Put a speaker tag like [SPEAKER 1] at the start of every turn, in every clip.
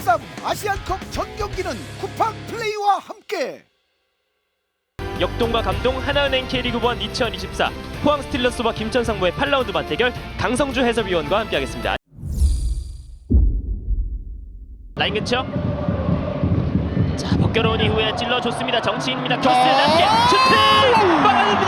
[SPEAKER 1] 2023 아시안컵 전 경기는 쿠팡 플레이와 함께.
[SPEAKER 2] 역동과 감동 하나은행 K리그1 2024 포항 스틸러스와 김천 상무의 8라운드 맞대결 강성주 해설위원과 함께하겠습니다. 라인 근처. 자, 벗겨놓은 이후에 찔러줬습니다. 정치인입니다. 크로스 낮게 슈팅!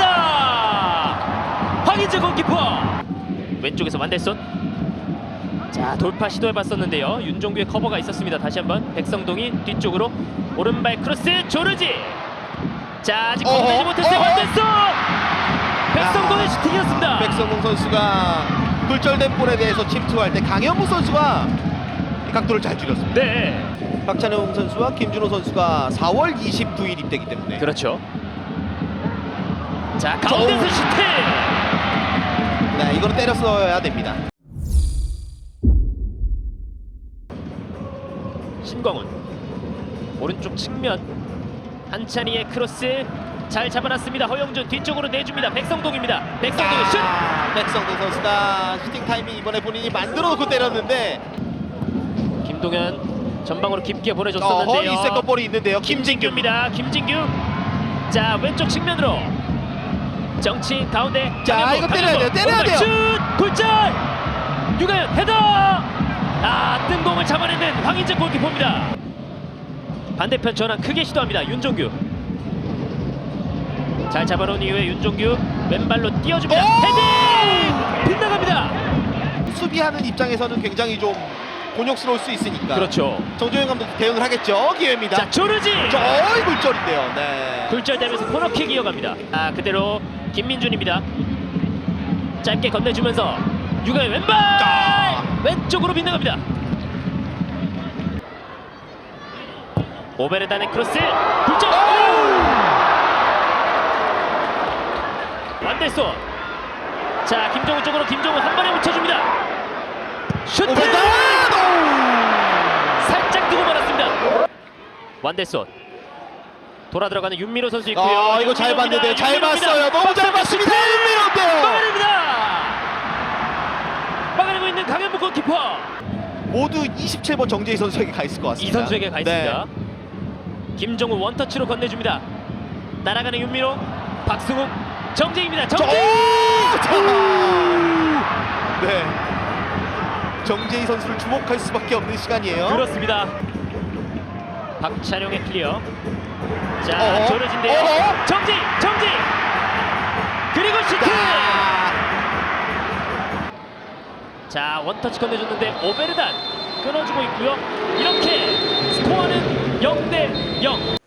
[SPEAKER 2] 막아냅니다. 황인재 골키퍼. 왼쪽에서 완델손. 자, 돌파 시도해봤었는데요. 윤종규의 커버가 있었습니다. 다시 한번 백성동이 뒤쪽으로 오른발 크로스 조르지. 자, 아직 건네지 못했어요. 완델손. 백성동의 슈팅이었습니다.
[SPEAKER 3] 백성동 선수가 굴절된 볼에 대해서 침투할 때 강현무 선수가 이 각도를 잘 줄였습니다.
[SPEAKER 2] 네,
[SPEAKER 3] 박찬용 선수와 김준호 선수가 4월 29일 입대이기 때문에
[SPEAKER 2] 그렇죠. 자, 가운데서 슈팅.
[SPEAKER 3] 네, 이거는 때렸어야 됩니다.
[SPEAKER 2] 신광훈 오른쪽 측면 한찬희의 크로스 잘 잡아놨습니다. 허영준 뒤쪽으로 내줍니다. 백성동입니다. 백성동의 슛.
[SPEAKER 3] 백성동 선수가 슈팅 타이밍 이번에 본인이 만들어 놓고 때렸는데
[SPEAKER 2] 김동현 전방으로 깊게 보내줬었는데요.
[SPEAKER 3] 이 세컨 볼이 있는데요.
[SPEAKER 2] 김진규입니다. 김진규. 자, 왼쪽 측면으로 정치 가운데.
[SPEAKER 3] 자,
[SPEAKER 2] 강현무,
[SPEAKER 3] 이거 때려야 돼요. 때려야
[SPEAKER 2] 오른발
[SPEAKER 3] 돼요.
[SPEAKER 2] 슛 골절. 유가연 헤더. 뜬공을 잡아내는 황인재 골키퍼입니다. 반대편 전환 크게 시도합니다. 윤종규. 잘 잡아놓은 이후에 윤종규 왼발로 띄워줍니다. 헤딩! 빗나갑니다.
[SPEAKER 3] 수비하는 입장에서는 굉장히 좀 곤욕스러울 수 있으니까
[SPEAKER 2] 그렇죠.
[SPEAKER 3] 정조영 감독 대응을 하겠죠. 기회입니다.
[SPEAKER 2] 자, 조르지.
[SPEAKER 3] 저이 굴절인데요. 네.
[SPEAKER 2] 굴절되면서 코너킥 이어갑니다. 그대로 김민준입니다. 짧게 건네주면서 유가의 왼발 왼쪽으로 빗나갑니다. 오베르단의 크로스 굴절. 완델손. 자, 김종우 쪽으로 김종우 한 번에 묻혀줍니다. 슈팅. 살짝 두고 말았습니다. 완델손. 돌아 들어가는 윤민호 선수 있고요.
[SPEAKER 3] 이거 잘 봤는데요. 잘
[SPEAKER 2] 윤민호입니다.
[SPEAKER 3] 봤어요. 너무 잘 봤습니다. 윤민호인데요.
[SPEAKER 2] 막아냅니다. 막아내고 있는 강현무 골키퍼.
[SPEAKER 3] 모두 27번 정재희 선수에게 가 있을 것 같습니다.
[SPEAKER 2] 이 선수에게 가 있습니다. 김종우 원터치로 건네줍니다. 날아가는 윤민호. 박승욱. 정재희입니다. 정재희.
[SPEAKER 3] 네. 정재희 선수를 주목할 수밖에 없는 시간이에요.
[SPEAKER 2] 그렇습니다. 박찬용의 클리어. 자, 조르진데요. 정재희. 그리고 슈팅. 자, 원터치 건네줬는데 오베르단 끊어주고 있고요. 이렇게 스코어는 0대 0.